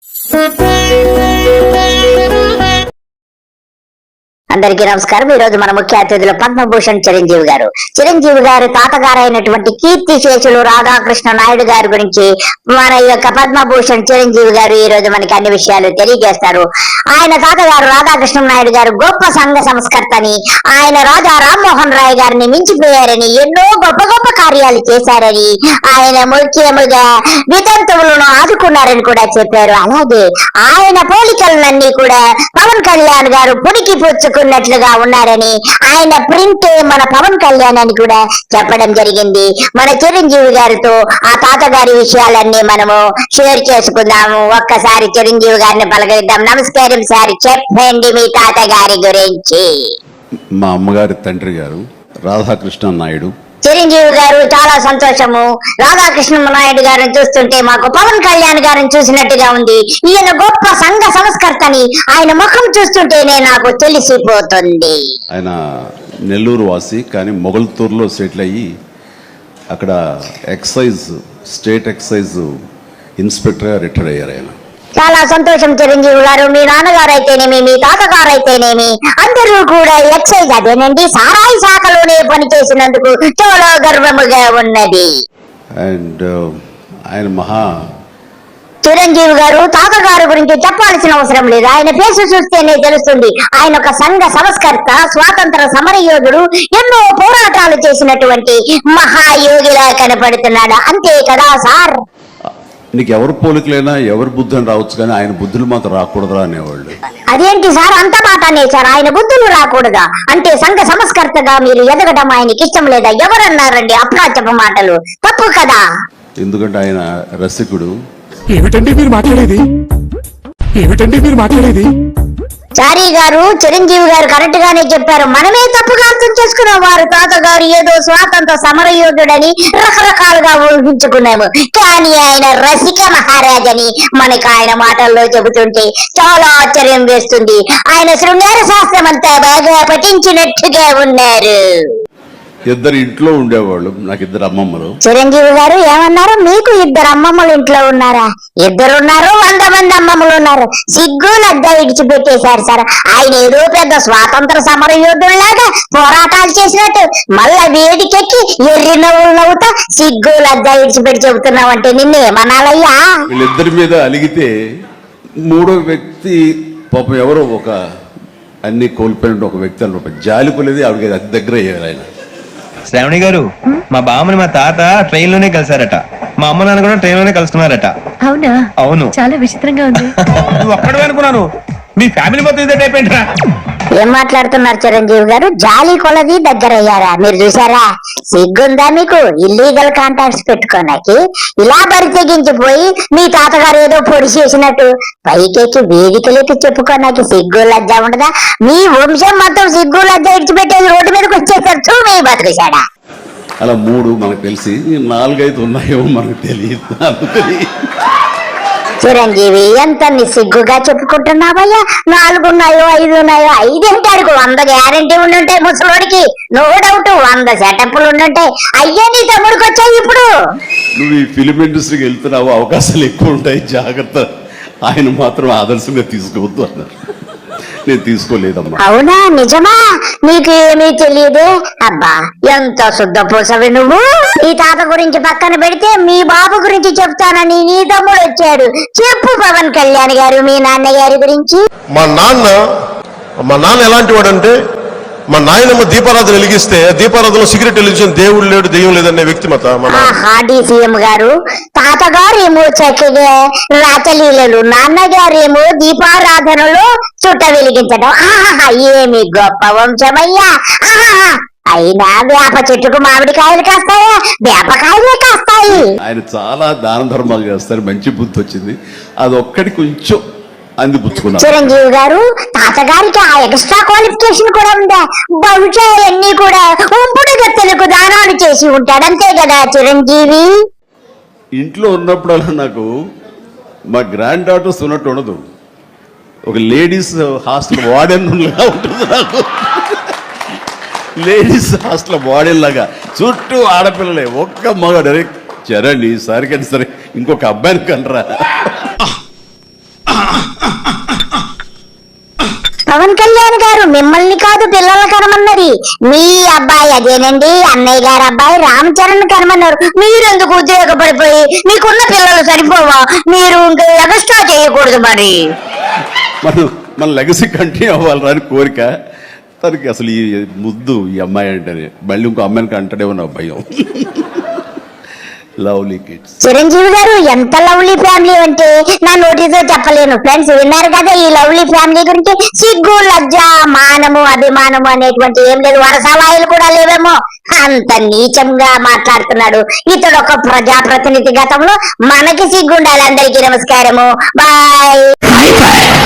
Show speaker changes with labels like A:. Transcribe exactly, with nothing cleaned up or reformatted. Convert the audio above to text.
A: అందరికీ నమస్కారం. ఈ రోజు మన ముఖ్య అతిథులు పద్మభూషణ్ చిరంజీవి గారు. చిరంజీవి గారు తాతగారు అయినటువంటి కీర్తిశేషులు రాధాకృష్ణ నాయుడు గారి గురించి మన యొక్క పద్మభూషణ్ చిరంజీవి గారు ఈ రోజు మనకి అన్ని విషయాలు తెలియజేస్తారు. ఆయన తాతగారు రాధాకృష్ణ నాయుడు గారు గొప్ప సంఘ సంస్కర్తని, ఆయన రాజా రామ్మోహన్ రాయ్ గారిని మించిపోయారని, ఎన్నో గొప్ప గొప్ప కార్యాలు చేశారని, ఆయన ముఖ్యముగా వితంతువులను ఆదుకున్నారని కూడా చెప్పారు. అలాగే ఆయన పోలికలన్నీ కూడా పవన్ కళ్యాణ్ గారు పుడికి పుచ్చుకున్నట్లుగా ఉన్నారని, ఆయన ప్రింట్ మన పవన్ కళ్యాణ్ అని కూడా చెప్పడం జరిగింది. మన చిరంజీవి గారితో ఆ తాతగారి విషయాలన్నీ మనము షేర్ చేసుకుందాము. ఒక్కసారి చిరంజీవి గారిని పలకరిద్దాం. నమస్కారం సార్, చెప్పండి మీ తాతగారి గురించి.
B: మా అమ్మగారి తండ్రి గారు రాధాకృష్ణ నాయుడు.
A: చిరంజీవి గారు చాలా సంతోషము. రాధాకృష్ణ నాయుడు గారిని చూస్తుంటే మాకు పవన్ కళ్యాణ్ గారిని చూసినట్టుగా ఉంది. ఈయన గొప్ప సంఘ సంస్కర్తని, ఆయన ముఖం చూస్తుంటేనే నాకు తెలిసిపోతుంది.
B: ఆయన నెల్లూరు వాసి, కానీ మొగల్తూరులో సెటిల్ అయ్యి అక్కడ ఎక్సైజ్ స్టేట్ ఎక్సైజ్ ఇన్స్పెక్టర్గా రిటైర్ అయ్యారు. ఆయన
A: చాలా సంతోషం చిరంజీవి గారు. మీ నాన్నగారు అయితేనేమి, మీ తాతగారు అయితేనేమి అందరూ కూడా ఎక్సైజ్ అదేనండి సారాయి శాఖలోనే పనిచేసినందుకు చాలా గర్వముగా ఉన్నది.
B: అండ్ ఆయన మహా
A: చిరంజీవి గారు తాతగారు గురించి చెప్పాల్సిన అవసరం లేదు. ఆయన ఫేసు చూస్తేనే తెలుస్తుంది. ఆయన ఒక సంఘ సంస్కర్త, స్వాతంత్ర సమరయోధుడు, ఎన్నో పోరాటాలు చేసినటువంటి మహాయోగిలా కనపడుతున్నాడు. అంతే కదా సార్?
B: నీకు ఎవరు పోలికలైనా ఎవరి బుద్ధులు రావచ్చు, కానీ ఆయన బుద్ధులు మాత్రం రాకూడదురా అనేవాళ్ళు.
A: అదేంటి సార్ అంత మాట అనేసారు? ఆయన బుద్ధులు రాకూడదా అంటే సంఘ సంస్కర్తగా మీరు ఎదగడం ఆయనకి ఇష్టం లేదా? ఎవరన్నారండి అప్రాచప మాటలు? తప్పు కదా.
B: ఎందుకంటే ఆయన రసికుడు.
C: ఏమిటండి మీరు మాట్లాడేది? ఏమిటండి మీరు మాట్లాడేది?
A: చారీ గారు, చిరంజీవి గారు కరెక్ట్ గానే చెప్పారు. మనమే తప్పుగా అర్థం చేసుకున్నాం. వారు తాతగారు ఏదో స్వాతంత్ర సమరయోధుడని రకరకాలుగా ఊహించుకున్నాము, కానీ ఆయన రసిక మహారాజని మనకు ఆయన మాటల్లో చెబుతుంటే చాలా ఆశ్చర్యం వేస్తుంది. ఆయన శృంగార శాస్త్రం అంతా బాగా పఠించినట్టుగా ఉన్నారు.
B: ఇద్దరు ఇంట్లో ఉండేవాళ్ళు. నాకు ఇద్దరు అమ్మమ్మలు.
A: చిరంజీవి గారు ఏమన్నారు? మీకు ఇద్దరు అమ్మమ్మలు ఇంట్లో ఉన్నారా? ఇద్దరున్నారు, వంద మంది అమ్మమ్మలు ఉన్నారు. సిగ్గు లజ్జ విడిచిపెట్టేశారు సార్. ఆయన ఏదో పెద్ద స్వాతంత్ర సమర యోధుల్లాగా పోరాటాలు చేసినట్టు మళ్ళా వేదికెక్కి ఎర్రి నవ్వులు నవ్వుతా సిగ్గు లజ్జ విడిచిపెట్టి చెబుతున్నావు అంటే నిన్ను ఏమనాలయ్యా?
B: వీళ్ళిద్దరి మీద అలిగితే మూడో వ్యక్తి పాపం ఎవరో ఒక అన్ని కోల్పోయిన ఒక వ్యక్తి అన్నమాట జాలిపోలేదు. ఆవిడకి అతి దగ్గర అయ్యారు ఆయన.
D: శ్రావణి గారు, మా బామ్మని మా తాత ట్రైన్ లోనే కలిసారట. మా అమ్మ నాన్న కూడా ట్రైన్ లోనే కలుసుకున్నారట.
E: అవునా?
D: అవును.
E: చాలా విచిత్రంగా ఉంది.
D: ఒక్కడే అనుకున్నాను, మీ ఫ్యామిలీ మొత్తం ఇదే టైప్ ఏంట్రా?
A: ఏం మాట్లాడుతున్నారు చిరంజీవి గారు? జాలి కొలది దగ్గర అయ్యారా? మీరు చూసారా? సిగ్గుందా మీకు ఇల్లీగల్ కాంటాక్ట్స్ పెట్టుకోనాకి? ఇలా బరి తెగించిపోయి మీ తాతగారు ఏదో పొడి చేసినట్టు పైకెక్కి వేదికలెక్కి చెప్పుకోనాకి సిగ్గు లజ్జ ఉండదా? మీ వంశం మొత్తం సిగ్గు లజ్జ ఇడిచిపెట్టేది రోడ్డు మీదకి వచ్చేసరికి మీ బతుకుశాడా?
B: అలా మూడు మనకు తెలిసి నాలుగైదు ఉన్నాయో మనకు తెలియదు.
A: చిరంజీవి ఎంత నిస్సిగ్గుగా చెప్పుకుంటున్నావయ్యా? నాలుగున్నాయో ఐదు ఉన్నాయో? ఐదేంటి అడుగు, వంద గ్యారంటీ ఉండుంటాయి ముసలోడికి, నో డౌట్. వంద సెటప్లు ఉండుంటాయి. అయ్యే నీ తమ్ముడికి వచ్చాయి ఇప్పుడు.
B: నువ్వు ఈ ఫిలిం ఇండస్ట్రీకి వెళ్తున్నావు, అవకాశాలు ఎక్కువ ఉంటాయి, జాగ్రత్త. ఆయన మాత్రం ఆదర్శంగా తీసుకోవద్దు అన్నారు. నేను తీసుకోలేదమ్మా.
A: అవునా? నిజమా? నీకు ఏమీ తెలియదే? అబ్బా ఎంత శుద్ధ పూసవి నువ్వు. ఈ తాత గురించి పక్కన పెడితే మీ బాబు గురించి చెప్తానని నీ తమ్ముడు వచ్చాడు. చెప్పు పవన్ కళ్యాణ్ గారు మీ నాన్నగారి గురించి.
F: మా నాన్న మా నాన్న ఎలాంటి వాడంటే, మా నాయనమ్మ దీపారాధన వెలిగిస్తే దీపారాధనలో సిగరెట్ వెలిగించిన దేవుడు లేడు దెయ్యం లేదనే వ్యక్తిమత.
A: సీఎం గారు తాతగారేమో చక్కగా రాచలీలలు, నాన్నగారేమో దీపారాధనలో చుట్ట వెలిగించడం. ఆహా ఏమి గొప్ప వంశమయ్యా! ఆహా అయినా వేప చెట్టుకు మామిడికాయలు కాస్తాయా? వేపకాయలే కాస్తాయి.
B: ఆయన చాలా దాన ధర్మాలు చేస్తారు. మంచి బుద్ధి వచ్చింది. అది ఒక్కటి కొంచెం అందిపుచ్చుకున్నారు.
A: చిరంజీవి గారు తాతగారికి ఆ ఎక్స్ట్రా క్వాలిఫికేషన్ కూడా ఉందా? బహుశా అన్ని కూడా ఉంపుడు గత్తెలకు దానాలు చేసి ఉంటాడు. అంతే కదా చిరంజీవి?
B: ఇంట్లో ఉన్నప్పుడల్లా నాకు మా గ్రాండ్ డాటర్స్ ఉన్నట్టు ఉండదు. ఒక లేడీస్ హాస్టల్ వార్డెన్ లాగా ఉంటుంది నాకు. లేడీస్ హాస్టల్ వార్డెన్ లాగా చుట్టూ ఆడపిల్లలే, ఒక్క మగ డైరెక్ట్ చరండి ఈసారి కానీ సరే ఇంకొక అబ్బాయిని కనరా.
A: మిమ్మల్ని కాదు పిల్లలు కనమన్నది, మీ అబ్బాయి అదేనండి అన్నయ్య గారు అబ్బాయి రామ్ చరణ్ కనమన్నారు. మీరెందుకు ఉద్రేకపడిపోయి మీకున్న పిల్లలు సరిపోవా, మీరు ఇంకా ఎక్స్ట్రా చేయకూడదు మరి.
B: మనం మన లెగసీ కంటిన్యూ అవ్వాలని అని కోరిక తనకి. అసలు ఈ ముద్దు ఈ అమ్మాయి అంటేనే మళ్ళీ ఇంకో అమ్మాయికి అంటాడేమో నా భయం. Lovely kids.
A: చిరంజీవి గారు ఎంత లవ్లీ ఫ్యామిలీ అంటే నా నోటితో చెప్పలేను. ఫ్రెండ్స్ విన్నారు కదా ఈ లవ్లీ ఫ్యామిలీ గురించి. సిగ్గు లజ్జ మానము అభిమానము అనేటువంటి ఏం లేదు, వరసవాయిలు కూడా లేవేమో, అంత నీచంగా మాట్లాడుతున్నాడు ఇతడు ఒక ప్రజాప్రతినిధి. గతంలో మనకి సిగ్గు ఉండాలి. అందరికీ నమస్కారము, బాయ్.